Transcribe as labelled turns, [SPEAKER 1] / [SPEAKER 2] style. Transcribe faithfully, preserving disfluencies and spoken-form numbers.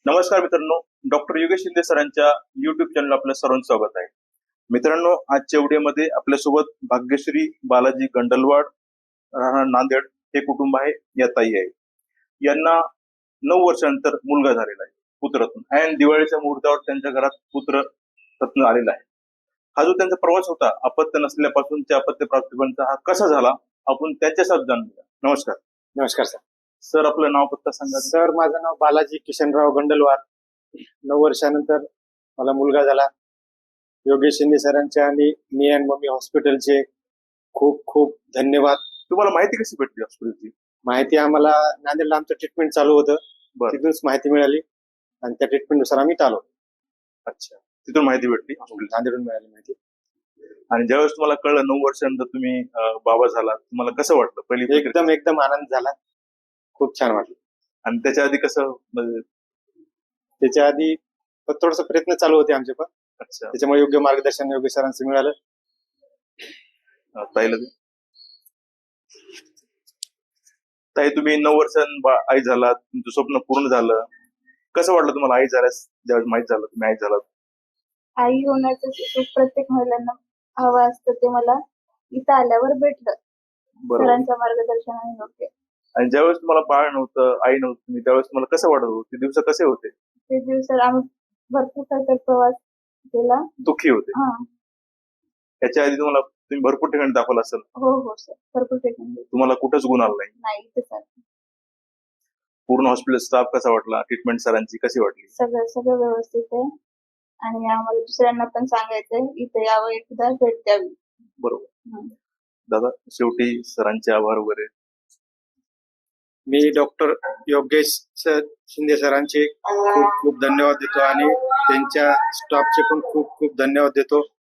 [SPEAKER 1] नमस्कार मित्रांनो, डॉक्टर योगेश शिंदे सरांच्या युट्यूब चॅनल आपल्या सर्वांचं स्वागत आहे. मित्रांनो, आजच्या व्हिडिओमध्ये आपल्यासोबत भाग्यश्री बालाजी गंडलवाड, राहणार नांदेड हे कुटुंब आहे. या ताई आहे. यांना नऊ वर्षानंतर मुलगा झालेला आहे, पुत्ररत्न. आणि दिवाळीच्या मुहूर्तावर त्यांच्या घरात पुत्र रत्न आलेला आहे. हा जो त्यांचा प्रवास होता, अपत्य नसल्यापासून ते अपत्य प्राप्तीपर्यंत हा कसा झाला, आपण त्यांच्या शब्दात जाणून घेऊया. नमस्कार.
[SPEAKER 2] नमस्कार सर.
[SPEAKER 1] सर, आपलं नाव पत्ता सांगा.
[SPEAKER 2] सर, माझं नाव बालाजी किशनराव गंडलवार. नऊ वर्षानंतर मला मुलगा झाला. योगेश शिंदे सरांचे आणि मी अँड मम्मी हॉस्पिटलचे खूप खूप धन्यवाद.
[SPEAKER 1] तुम्हाला माहिती कशी भेटली हॉस्पिटलची?
[SPEAKER 2] माहिती आम्हाला नांदेडला आमचं ट्रीटमेंट चालू होतं, तिथूनच माहिती मिळाली आणि त्या ट्रीटमेंटनुसार आम्ही आलो.
[SPEAKER 1] अच्छा, तिथून माहिती भेटली,
[SPEAKER 2] नांदेडून मिळाली माहिती.
[SPEAKER 1] आणि ज्यावेळेस तुम्हाला कळलं नऊ वर्षानंतर तुम्ही बाबा झाला, तुम्हाला कसं वाटलं? पहिली
[SPEAKER 2] एकदम एकदम आनंद झाला, खूप छान वाटलं.
[SPEAKER 1] आणि त्याच्या आधी कसं?
[SPEAKER 2] त्याच्या आधी थोडस प्रयत्न चालू होते आमचे पण.
[SPEAKER 1] अच्छा,
[SPEAKER 2] त्याच्यामुळे योग्य मार्गदर्शन योग्य सरांचं मिळालं.
[SPEAKER 1] ताईला ताई, तुम्ही नऊ वर्षां आई झालात, तुमचं स्वप्न पूर्ण झालं. कसं वाटलं तुम्हाला आई झाल्यास, ज्यावेळेस माहित झालं तुम्ही आई झालात?
[SPEAKER 3] आई होण्याचं सुख प्रत्येक महिलांना हवं असतं, ते मला इथं आल्यावर भेटलं सरांच्या मार्गदर्शनाने. योग्य.
[SPEAKER 1] आणि ज्यावेळेस तुम्हाला बाळ नव्हतं, आई नव्हती, तुम्ही त्यावेळेस तुम्हाला कसं वाटत होतं? ते दिवस कसे होते?
[SPEAKER 3] ते दिवस आम्ही भरपूर काही प्रवास केला,
[SPEAKER 1] दुःखी होते.
[SPEAKER 3] हा.
[SPEAKER 1] त्याच्या आधी तुम्हाला तुम्ही भरपूर ठिकाणी दाखवलं असेल.
[SPEAKER 3] हो हो सर, भरपूर ठिकाणी.
[SPEAKER 1] तुम्हाला कुठंच गुण आला नाही?
[SPEAKER 3] नाही. इथे सर
[SPEAKER 1] पूर्ण हॉस्पिटल स्टाफ कसा वाटला? ट्रीटमेंट सरांची कशी वाटली?
[SPEAKER 3] सगळं सगळं व्यवस्थित आहे आणि आम्हाला दुसऱ्यांना पण सांगायचंय इथे यावं, एकदा भेट द्यावी.
[SPEAKER 1] बरोबर. दादा, शेवटी सरांचे आभार वगैरे.
[SPEAKER 2] मी डॉक्टर योगेश सर शिंदे सरांचे खूप खूप धन्यवाद देतो आणि त्यांच्या स्टाफचे पण खूप खूप धन्यवाद देतो.